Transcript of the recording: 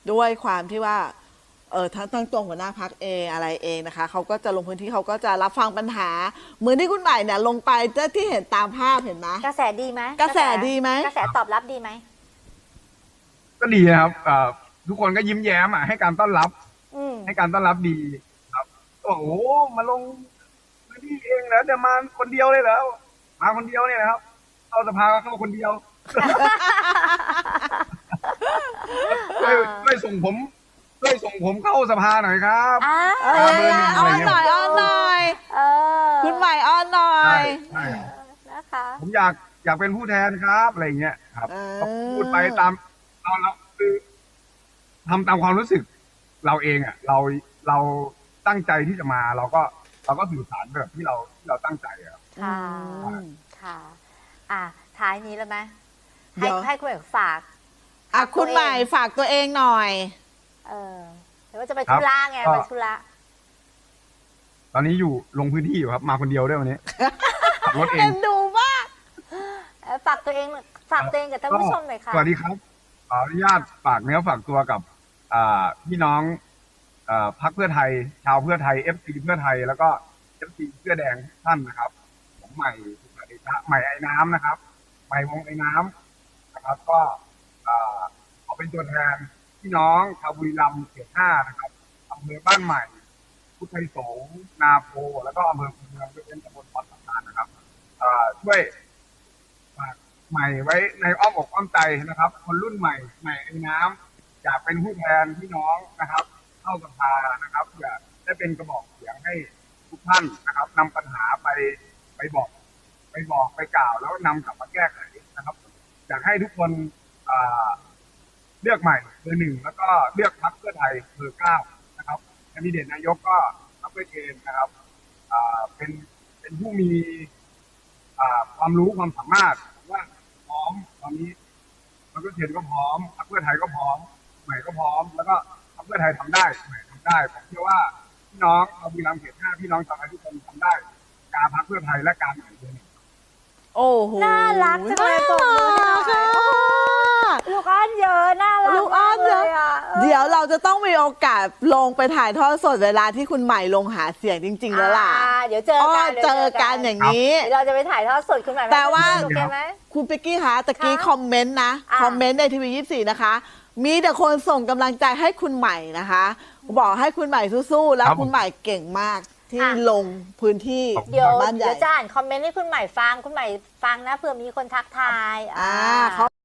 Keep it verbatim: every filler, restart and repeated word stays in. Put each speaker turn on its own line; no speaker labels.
ด้วยความที่ว่าเออทั้งทั้งตัวหัวหน้าพักเองอะไรเองนะคะเขาก็จะลงพื้นที่เขาก็จะรับฟังปัญหาเหมือนที่คุณใหม่เนี่ยลงไปที่เห็นตามภาพเห็นไหม
กระแสดีไหม
กระแสดีไหม
กระแสตอบรับดีไหม
ก็ดีนะครับทุกคนก็ยิ้มแย้มอ่ะให้การต้อนรับให้การต้อนรับดีครับโอ้โหมาลงพื้นที่เองแล้วจะมาคนเดียวเลยแล้วมาคนเดียวเนี่ยนะครับเข้าสภาเข้าคนเดียวช่วยช่วยส่งผมช่วยส่งผมเข้าสภาหน่อยครับ
อ้อนหน่อยอ้อนหน่อยคุณใหม่อ้อนหน่อย
นะคะ
ผมอยากอยากเป็นผู้แทนครับอะไรเงี้ยครับก็พูดไปตามเราเราคือทำตามความรู้สึกเราเองอ่ะเราเราตั้งใจที่จะมาเราก็เราก็สื่อสารแบบที่เราที่เราตั้งใจครับ
ค่ะค่ะอ่ะท้ายนี้แล้วไหมให้ให้คุณใหม่ฝาก
อ่ะคุณใหม่ฝากตัวเองหน่อย
เออหรือว่าจะไปธุระไงไปธุระ
ตอนนี้อยู่ลงพื้นที่อยู่ครับมาคนเดียวด้วยวันนี้ขับรถเอง
ดูมาก
ฝากตัวเองฝากตัวเองกับท่านผู้ชมหน่อยค่ะ
สวัสดีครับขออนุญาตฝากเนื้อฝากตัวกับพี่น้องพรรคเพื่อไทยชาวเพื่อไทยเอฟซีเพื่อไทยแล้วก็เอฟซีเสื้อแดงท่านนะครับผมใหม่สุขเดชะใหม่ไอ้น้ำนะครับใหม่วงไอ้น้ำนะครับก็ขอเป็นตัวแทนพี่น้องชาวบุรีรัมย์เขตห้านะครับอำเภอบ้านใหม่พุทธไทยสงฆ์นาโพแล้วก็อำเภอคูเมืองเป็นตำบลพรสำคัญนะครับช่วยฝากใหม่ไว้ในอ้อมอกอ้อมใจนะครับคนรุ่นใหม่ใหม่ไอ้น้ำอยากเป็นผู้แทนพี่น้องนะครับเข้าสภานะครับเพื่อได้เป็นกระบอกเสียงให้ทุกท่านนะครับนำปัญหาไปไปบอกไปบอกไปกล่าวแล้วนำกลับมาแก้ไขนะครับอยากให้ทุกคนเลือกใหม่เบอร์หนึ่งแล้วก็เลือกพรรคเพื่อไทยเบอร์เก้านะครับแคนดิเดตนายกก็พรรคเพื่อเทนนะครับเป็นเป็นผู้มีความรู้ความสามารถว่าพร้อมตอนนี้พรรคเพื่อเทนก็พร้อมพรรคเพื่อไทยก็พร้อมใหม่ก็พร้อมแล้วก็พรรคเพื่อไทยทำได้ใหม่ทำได้ผมเชื่อว่าพี่น้องชาวบุรีรัมย์เขตห้าพี่น้องชาวไทยทุกคนทำได้การพรรคเพื่อไทยและการใหม่เบอร์หนึ่ง
โอ้โห
น่ารักจังเลยตัวลูกอ้อนเยอะน่ารัก
ลูกอ้อนเยอะเดี๋ยวเราจะต้องมีโอกาสลงไปถ่ายทอดสดเวลาที่คุณใหม่ลงหาเสียงจริงๆแล้วล่ะ
เดี๋ยวเจอกัน
เจอกันอย่างนี้
เราจะไปถ่ายทอดสดคุณใหม่
แต่ว่า
คุ
ณเป๊กกี้คะตะกี้คอมเมนต์นะคอมเมนต์ในทีวียี่สิบสี่นะคะมีแต่คนส่งกำลังใจให้คุณใหม่นะคะบอกให้คุณใหม่สู้ๆแล้วคุณใหม่เก่งมากที่ลงพื้นที่
เดี๋ยวเดี๋ยวจะอ่านคอมเมนต์ให้คุณใหม่ฟังคุณใหม่ฟังนะเผื่อมีคนทักทายอ่า